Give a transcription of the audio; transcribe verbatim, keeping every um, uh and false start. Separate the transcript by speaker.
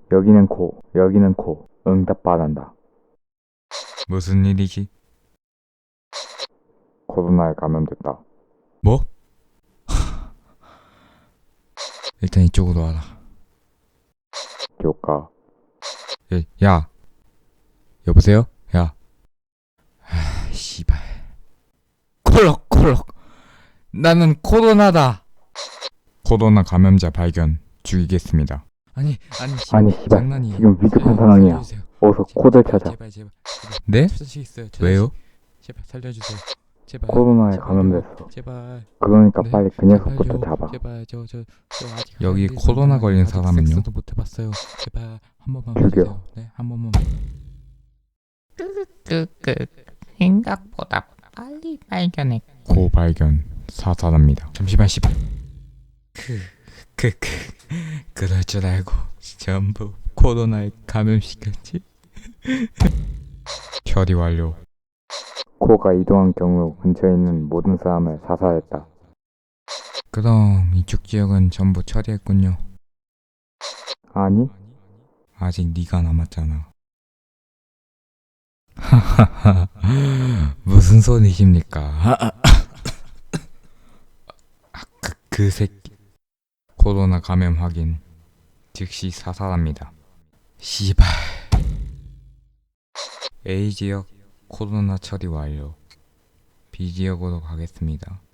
Speaker 1: 여기는 코, 여기는 코. 응답 바란다.
Speaker 2: 무슨 일이지?
Speaker 1: 코로나에 감염됐다.
Speaker 2: 뭐? 일단 이쪽으로 와라.
Speaker 1: 교과.
Speaker 2: 야, 야. 여보세요? 야. 아, 씨발. 콜록콜록. 나는 코로나다. 코로나 감염자 발견. 죽이겠습니다. 아니, 아니, 씨발,
Speaker 1: 아니 씨발,
Speaker 2: 장난이에요.
Speaker 1: 지금 위급한
Speaker 2: 살려-
Speaker 1: 상황이야.
Speaker 2: 살려주세요.
Speaker 1: 어서
Speaker 2: 제발,
Speaker 1: 코를
Speaker 2: 제발,
Speaker 1: 찾아.
Speaker 2: 제발, 제발, 제발. 네? 처자식 있어요. 처자식. 왜요? 제발 살려주세요. 제발.
Speaker 1: 코로나에
Speaker 2: 제발요.
Speaker 1: 감염됐어.
Speaker 2: 제발.
Speaker 1: 그러니까
Speaker 2: 네,
Speaker 1: 빨리 그 녀석부터
Speaker 2: 제발요.
Speaker 1: 잡아.
Speaker 2: 제발 저 저 저 아직
Speaker 3: 여기
Speaker 2: 안 돼서
Speaker 3: 코로나 걸린
Speaker 2: 아직
Speaker 3: 사람은요?
Speaker 2: 섹스도 못 해봤어요. 제발 한 번만
Speaker 1: 죽여.
Speaker 2: 봐주세요. 네, 한 번만.
Speaker 4: 끄끄 생각보다 빨리 발견해.
Speaker 3: 고 발견 사살합니다.
Speaker 2: 잠시만 씨발. 그그그 그럴 줄 알고 전부 코로나에 감염시켰지.
Speaker 3: 처리 완료.
Speaker 1: 코가 이동한 경우 근처에 있는 모든 사람을 사살했다.
Speaker 2: 그럼 이쪽 지역은 전부 처리했군요.
Speaker 1: 아니?
Speaker 2: 아직 네가 남았잖아. 하하하. 무슨 소리십니까? 아, 그, 그 새끼. 코로나 감염 확인. 즉시 사살합니다. 씨발. A 지역 코로나 처리 완료. B 지역으로 가겠습니다.